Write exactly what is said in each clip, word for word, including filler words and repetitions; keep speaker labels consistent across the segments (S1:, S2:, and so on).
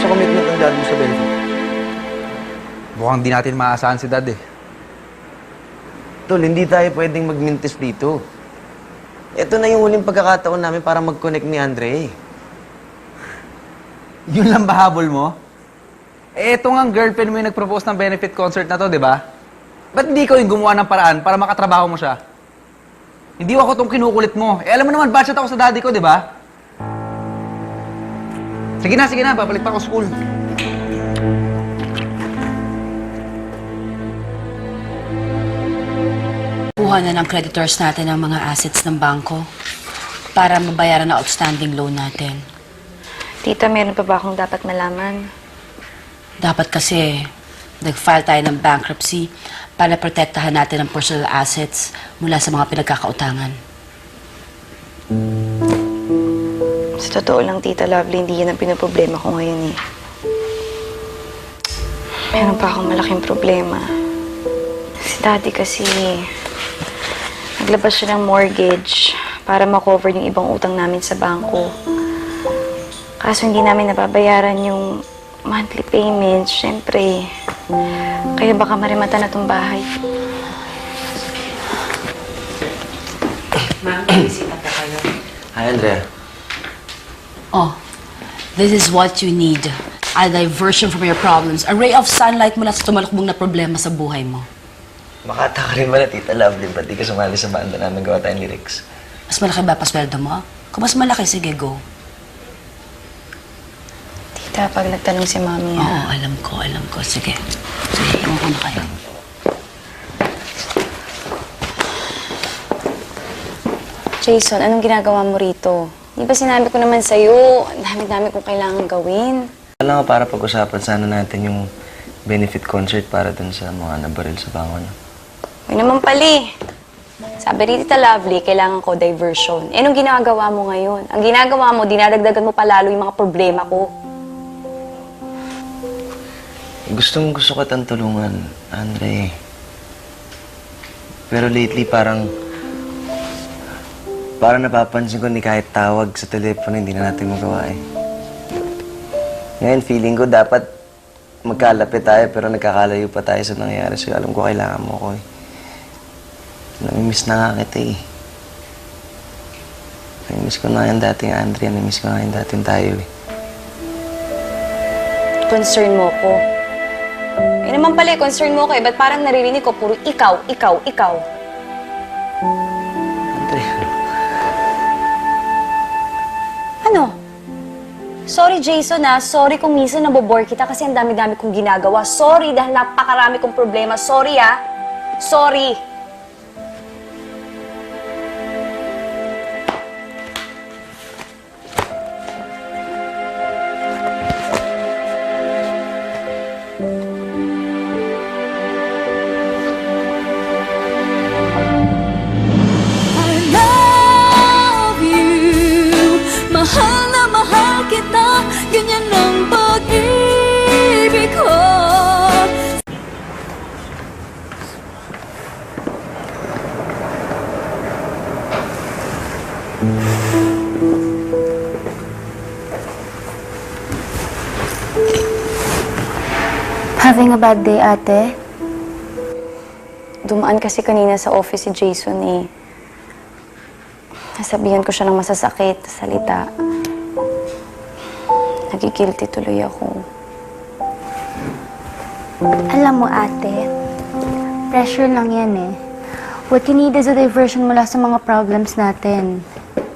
S1: sa commitment ng dad mo sa benefit?
S2: Mukhang di natin maaasahan si dad eh.
S1: Tol, hindi tayo pwedeng magmintis dito. Ito na yung huling pagkakataon namin para mag-connect ni Andre.
S2: Yun lang ba habol mo? Eh, ito nga ang girlfriend mo yung nag-propose ng benefit concert na to, di ba? Ba't hindi ikaw yung gumawa ng paraan para makatrabaho mo siya? Hindi ako tong kinukulit mo. Eh, alam mo naman, budget ako sa daddy ko, di ba? Sige na, sige na. Babalik pa ako school.
S3: Kuha na ng creditors natin ang mga assets ng bangko para mabayaran ang outstanding loan natin.
S4: Tita, meron pa ba akong dapat malaman?
S3: Dapat kasi nag-file tayo ng bankruptcy para protektahan natin ang personal assets mula sa mga pinagkakautangan.
S4: Sa totoo lang, Tita Lovely, hindi yan ang pinaproblema ko ngayon eh. Meron pa akong malaking problema. Si Daddy kasi naglabas siya ng mortgage para makover yung ibang utang namin sa bangko. Kaso hindi namin nababayaran yung monthly payments, syempre. Kaya baka marimata na tong bahay.
S3: Ma'am, bisita po kayo.
S1: Hi, Andrea.
S3: Oh, this is what you need. A diversion from your problems. A ray of sunlight mula sa tumalakbong na problema sa buhay mo.
S1: Makata ka rin ba na, Tita Lovely? Ba't di ka sumali sa banda namin gawa tayong lyrics?
S3: Mas malaki ba pasweldo mo? Kung mas malaki, sige, go.
S4: Tita, pag nagtanong si Mami,
S3: Oo,
S4: ha?
S3: alam ko, alam ko. Sige. Sige, iwan ko na kayo.
S4: Jason, anong ginagawa mo rito? Di ba sinabi ko naman sa'yo, ang dami-dami kong kailangan gawin.
S1: Alam nga, para pag-usapan sana natin yung benefit concert para dun sa mga nabaril sa bango niya.
S4: Huwag naman pali. Sabi ni Tita Lovely, kailangan ko diversion. Eh, anong ginagawa mo ngayon? Ang ginagawa mo, dinadagdagan mo palalo yung mga problema ko.
S1: Gustong gusto kitang tulungan, Andre. Pero lately, parang... Parang napapansin ko ni kahit tawag sa telepono, hindi na natin magawa eh. Ngayon, feeling ko dapat magkalapit tayo pero nagkakalayo pa tayo sa nangyayari. So, alam ko kailangan mo ko eh. Namimiss na nga kita eh. Namimiss ko na yung dating Andrea. Namimiss ko na yung dating tayo eh.
S4: Concern mo ko. Eh naman pala, concern mo ko eh. Ba't parang naririnig ko puro ikaw, ikaw, ikaw?
S1: Andrea.
S4: Ano? Sorry, Jason, ah. Sorry kung minsan nabobore kita kasi ang dami-dami kong ginagawa. Sorry dahil napakarami kong problema. Sorry, ah. Sorry.
S5: Mahal na mahal kita, ganyan ang pag-ibig ko.
S4: Having a bad day, ate? Dumaan kasi kanina sa office si Jason eh. Nasabihan ko siya ng masasakit na salita. Nagigilty tuloy ako.
S6: Alam mo, ate, pressure lang yan eh. What you need is a diversion mula sa mga problems natin.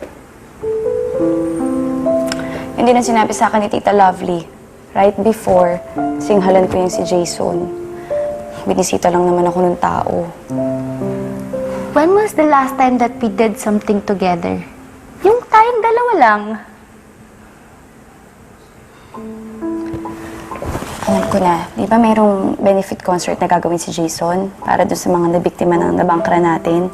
S4: Yun din ang sinabi sa akin ni Tita Lovely. Right before, singhalan ko yung si Jason. Binisita lang naman ako ng tao.
S6: When was the last time that we did something together? Yung tayong dalawa lang.
S4: Alam ko na, di ba mayroong benefit concert na gagawin si Jason para doon sa mga nabiktima ng nabangkra natin?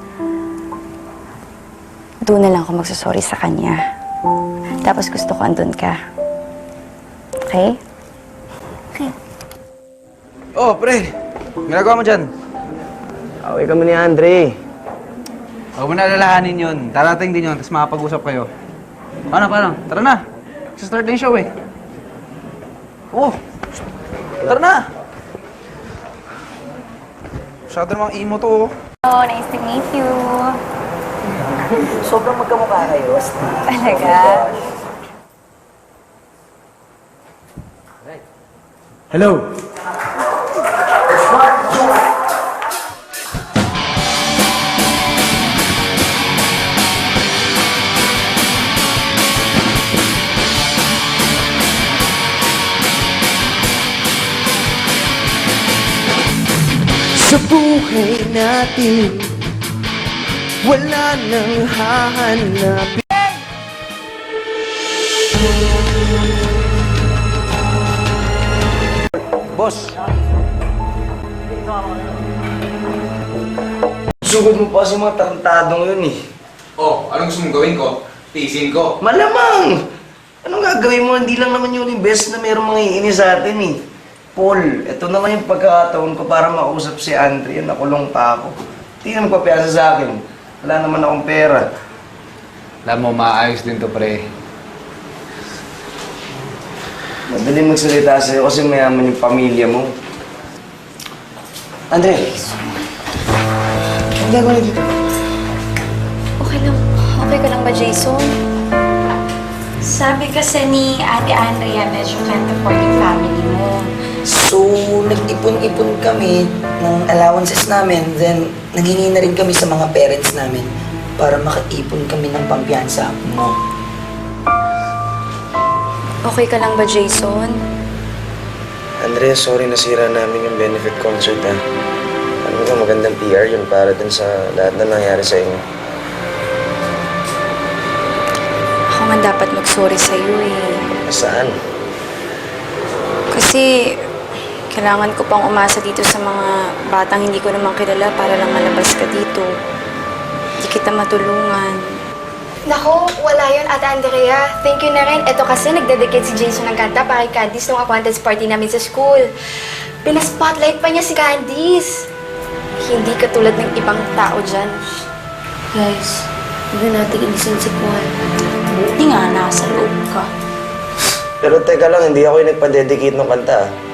S4: Doon na lang ako magsasorry sa kanya. Tapos gusto ko andun ka. Okay?
S6: Okay.
S2: Oh, pre! Ginagawa mo dyan?
S1: Away kami ni Andre.
S2: Huwag mo na alalahanin yun. Darating din yun, tapos makapag-usap kayo. Paano, paano? Tara na! Sa-start na yung show eh. Oh! Tara na! Masyado namang emo to, oh.
S4: Oh, nice to meet you.
S1: Sobrang magkamukha kayo.
S4: Talaga?
S7: Hello.
S1: Sa buhay natin, wala nang hahanapin. Boss! Sugod mo pa kasi mga tarantadong yun eh.
S2: Oh, anong gusto mong gawin ko? Tiisin ko.
S1: Malamang! Anong gagawin mo? Hindi lang naman yun yung best na mayroong mga iinis sa atin eh. Paul, ito naman yung pagkakataon ko para makausap si Andre. Nakulong pa ako. Hindi na magpapiyasa sa akin. Wala naman akong pera.
S2: Alam mo, maayos din to, pre.
S1: Madali magsalita sa'yo kasi mayaman yung pamilya mo. Andre! Ang gagawin dito?
S4: Okay lang. Okay ka lang ba, Jason? Sabi kasi ni Ate Andrea, medyo can't afford yung family mo.
S8: So, nag-ipon-ipon kami ng allowances namin, then nanghingi na rin kami sa mga parents namin para makaipon kami ng pampiyansa mo.
S4: Okay ka lang ba, Jason?
S1: Andre, sorry nasira namin yung benefit concert ha. Ano ba magandang P R yun para dun sa lahat na nangyari sa inyo.
S4: Ako nga dapat mag-sorry sa'yo eh.
S1: Saan?
S4: Kasi kailangan ko pang umasa dito sa mga batang hindi ko naman kilala para lang malabas ka dito. Hindi kita matulungan.
S6: Nako, wala yun, Ate Andrea. Thank you na rin. Ito kasi nagdedicate si Jason ng kanta para kay Candice nung acquaintance party namin sa school. Pina-spotlight pa niya si Candice. Hindi katulad ng ibang tao dyan.
S3: Guys, huwag na natin inisin si Paul. Buti nga, nasa loob ka.
S1: Pero teka lang, hindi ako yung nagpa-dedicate ng kanta ah.